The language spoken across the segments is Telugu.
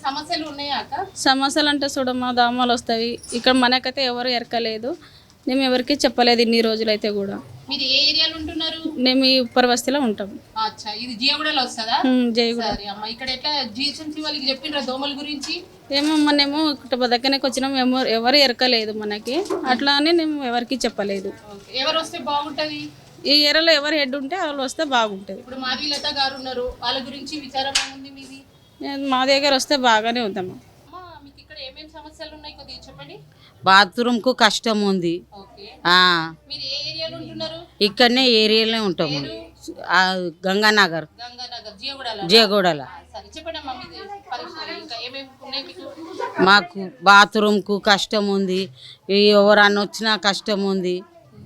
సమస్యలు ఉన్నాయా అక్క? సమస్యలు అంటే చూడమ్మా, దోమలు వస్తాయి ఇక్కడ. మనకైతే ఎవరు ఎరకలేదు, మేము ఎవరికి చెప్పలేదు ఇన్ని రోజులైతే కూడా. మీరు ఏ ఏరియాలో ఉంటున్నారు? మేము ఈ ఉప్పర్ బస్తీలో ఉంటాం. అచ్చా, ఇది జియగూడలో వస్తుందా? జయగూడ. సరే అమ్మ, ఇక్కడ ఎట్లా జిహెచ్ఎంసీ వాళ్ళకి చెప్పినరా దోమల గురించి? ఏమో మనమేమో ఇక్కడ దగ్గరకి వచ్చినాం, ఎవరు ఎరకలేదు మనకి, అట్లా అని మేము ఎవరికి చెప్పలేదు. ఎవరు వస్తే బాగుంటది? ఈ ఏరియాలో ఎవరు హెడ్ ఉంటే వాళ్ళు వస్తే బాగుంటుంది. ఇప్పుడు మాధవీలత గారు ఉన్నారు, వాళ్ళ గురించి విచారం ఏముంది మీది? మా దగ్గర వస్తే బాగానే ఉందమ్మా. అమ్మా, మీకు ఇక్కడ ఏమేమి సమస్యలు ఉన్నాయి కొద్దిగా చెప్పండి. బాత్రూమ్ కు కష్టం ఉంది. ఓకే, ఆ మీరు ఏ ఏరియాలో ఉంటున్నారు? ఇక్కడనే ఏరియాలో ఉంటాము, గంగానగర్, గంగానగర్, జియగూడలో. జయగూడలో. సరే చెప్పండి అమ్మా, మీది పరిస్థితి ఇంకా ఏమేమి ఉన్నాయి మీకు? మాకు బాత్రూమ్ కు కష్టం ఉంది, ఎవరన్నా వచ్చినా కష్టం ఉంది.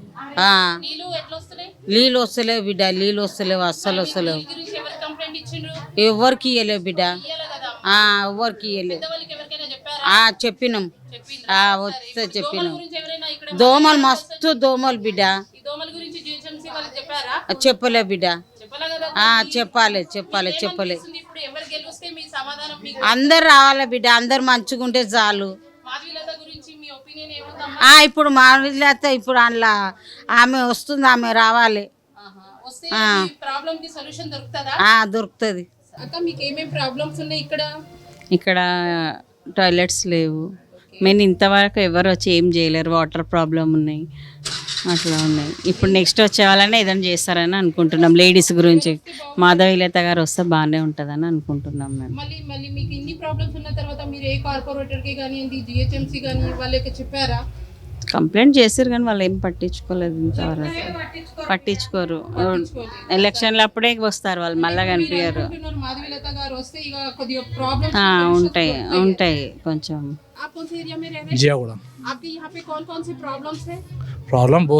నీళ్ళు ఎట్లా వస్తున్నాయి? నీళ్ళు వస్తలేవు బిడ్డ, నీళ్ళు వస్తలేవు, అస్సలు వస్తలేవు. ఈ గురించి ఎవరు కంప్లైంట్ ఇచ్చిండ్రు? ఎవరికి ఇవ్వలేవు బిడ్డ, ఇయ్యాలి కదా. ఎవరికి ఇవ్వలేవు. పెద్దవాళ్ళకి ఎవరికైనా చెప్పారా? చెప్పినాం, చెప్పిండ్రా? వస్తే దోమల చెప్పినాం. గురించి ఎవరైనా ఇక్కడ దోమలు మస్తు దోమలు బిడ్డ, ఈ దోమల గురించి జిహెచ్ఎంసీ వాళ్ళకి చెప్పారా? చెప్పలే బిడ్డ. చెప్పాలా కదా. చెప్పాలి చెప్పాలి చెప్పలే. ఇప్పుడు ఎవరు గెలిస్తే మీ సమాధానం మీకు? అందరు రావాలి బిడ్డ, అందరు మంచిగుంటే చాలు. మాధవీలత గురించి మీ ఒపీనియన్ ఏముందమ్మా? ఇప్పుడు మావిలత ఇప్పుడు అందులో ఆమె వస్తుంది, ఆమె రావాలి. వస్తే ప్రాబ్లం కి సొల్యూషన్ దొరుకుతుందా? దొరుకుతుంది. అక్క, మీకు ఏమేం ప్రాబ్లమ్స్ ఉన్నాయి ఇక్కడ? ఇక్కడ టాయిలెట్స్ లేవు, మెయిన్ ఇంతవరకు ఎవరు వచ్చి ఏం చేయలేరు, వాటర్ ప్రాబ్లం ఉన్నాయి, అట్లా ఉన్నాయి. ఇప్పుడు నెక్స్ట్ వచ్చే వాళ్ళనే ఏదైనా చేస్తారని అనుకుంటున్నాం. లేడీస్ గురించి మాధవీలత గారు వస్తే బాగానే ఉంటుందని అనుకుంటున్నాం మేము. మళ్ళీ మళ్ళీ మీకు ఇన్ని ప్రాబ్లమ్స్ ఉన్న తర్వాత మీరు ఏ కార్పొరేటర్ కి కానివ్వండి, జిహెచ్ఎంసీ కానీ వాళ్ళకి చెప్పారా? కంప్లైంట్ చేశారు కానీ వాళ్ళు ఏం పట్టించుకోలేదు, ఇంతవరకు పట్టించుకోరు. ఎలక్షన్లు అప్పుడే వస్తారు వాళ్ళు, మళ్ళీ కనిపించారు. మాధవీలత గారు వస్తే ఇక కొద్దిగా ప్రాబ్లమ్స్ ఉంటాయి ఉంటాయి కొంచెం. आप कौन से एरिया में रह रहे हैं? जियागुड़ा। आपके यहाँ पे कौन कौन सी प्रॉब्लम्स है? प्रॉब्लम बहुत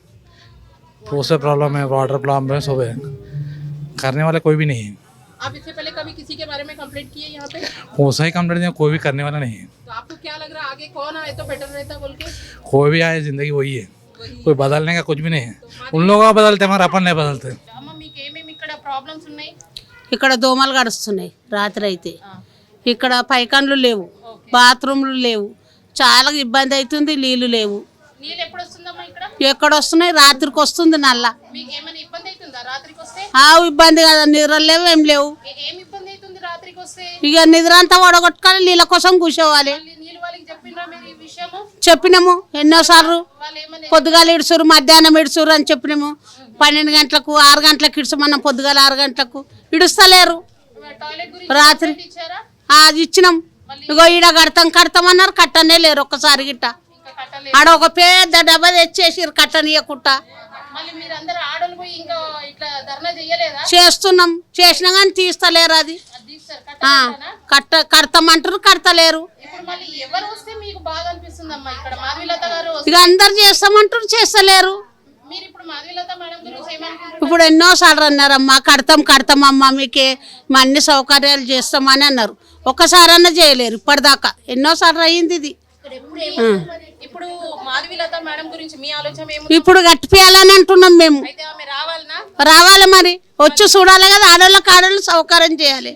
से प्रॉब्लम है, वाटर प्रॉब्लम है, सब है, करने वाला कोई भी नहीं है। आप इससे पहले कभी किसी के बारे में कंप्लेंट किए यहाँ पे? वैसा ही कंप्लेंट कोई भी करने वाला नहीं है। तो आपको क्या लग रहा है आगे कौन आए तो बेटर रहता बोल के? कोई भी आए, जिंदगी वही है, कोई बदलने का कुछ भी नहीं है। उन लोगों का बदलते, हमारे अपन नहीं बदलते। అమ్మ, మీకు ఏమేమి ఇక్కడ ప్రాబ్లమ్స్ ఉన్నాయి? ఇక్కడ దోమలు గడుస్తున్నాయి రాత్రి అయితే. ఇక్కడ పైకాన్లు లేవు, బాత్రూమ్లు లేవు, చాలా ఇబ్బంది అవుతుంది. నీళ్లు లేవు. నీళ్ళు ఎప్పుడు వస్తుందమ్మా ఇక్కడ? ఎక్కడ వస్తున్నాయి? రాత్రికి వస్తుంది నల్ల. మీకు ఏమైనా ఇబ్బంది అవుతుందా రాత్రికి వస్తే? ఇబ్బంది కదా, నిద్ర లేవు, ఏం లేవు. ఏం ఇబ్బంది అవుతుంది రాత్రికి వస్తే? ఇక నిద్ర అంతా వడగొట్టుకొని నీళ్ళ కోసం కూర్చోవాలి. నీళ్ళు వాళ్ళకి చెప్పిండ్రా మీరు ఈ విషయము? చెప్పినాము ఎన్నోసార్లు. వాళ్ళు ఏమన్నా పొద్దుగాల ఇడుచురు, మధ్యాహ్నం ఇడుచురు అని చెప్పినాము. 12 గంటలకు 6 గంటలకు ఇడుచమన్నాం, పొద్దుగాల 6 గంటలకు ఇడుస్తలేరు. టాయిలెట్ గురించి రాత్రి ఇచ్చారా? ఇచ్చినాం. ఇగో ఈడ కడతామన్నారు, కట్టనే లేరు ఒక్కసారి గిట్ట. ఇంకా కట్టలేదు. ఆడ ఒక పెద్ద డబ్బా తెచ్చేసిరు కట్టనీయకుట్ట. మళ్ళీ మీరు అందరు ఆడలు పోయి ఇంకా ఇట్లా ధర్నా చెయ్యలేదా? చేస్తున్నాం, చేసినా కానీ తీస్తలేరు. అది అది తీస్తారు, కడతామంటారు, కడతలేరు. ఇప్పుడు మళ్ళీ ఎవరు వస్తే మీకు బాగా అనిపిస్తుందమ్మా? ఇక్కడ మాధవీలత గారు ఇక అందరు చేస్తామంటారు, చేస్తలేరు. మీరు ఇప్పుడు మాధవీలత మేడం గురించి ఏమనుకుంటున్నారు? ఇప్పుడు ఎన్నోసార్లు అన్నారమ్మా, కడతామమ్మా, మీకే మా అన్ని సౌకర్యాలు చేస్తామని అన్నారు. ఒక్కసారన్నా చేయలేరు ఇప్పటిదాకా. ఎన్నోసార్లు అయ్యింది ఇది. ఇప్పుడు మాధవీలత మేడం గురించి మీ ఆలోచన ఏముంది? ఇప్పుడు కట్టిపియాలని అంటున్నాం మేము. అయితే ఆమె రావాలనా? రావాలి మరి, వచ్చి చూడాలి కదా, ఆడోళ్ళకి సౌకర్యం చేయాలి.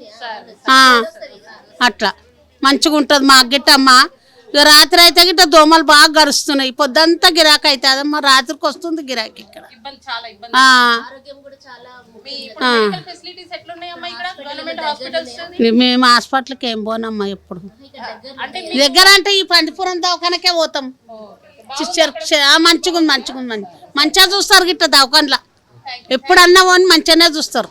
అట్లా మంచిగా ఉంటుంది మాకు గిట్టమ్మా. ఇక రాత్రి అయితే గిట్ట దోమలు బాగా గరుస్తున్నాయి. పొద్దంతా గిరాకీ అవుతుందమ్మా, రాత్రికి వస్తుంది గిరాకీ ఇక్కడ. చాలా ఇబ్బంది. ఫెసిలిటీస్ ఎట్లున్నాయమ్మా ఇక్కడ గవర్నమెంట్ హాస్పిటల్స్? మేము హాస్పిటల్కి ఏం పోనమ్మా ఎప్పుడు. దగ్గర అంటే ఈ పందిపురం దవాఖానకే పోతాం. మంచిగా మంచిగా చూస్తారు గిట్ట దవాఖానలో. ఎప్పుడన్నా పోని మంచిగానే చూస్తారు.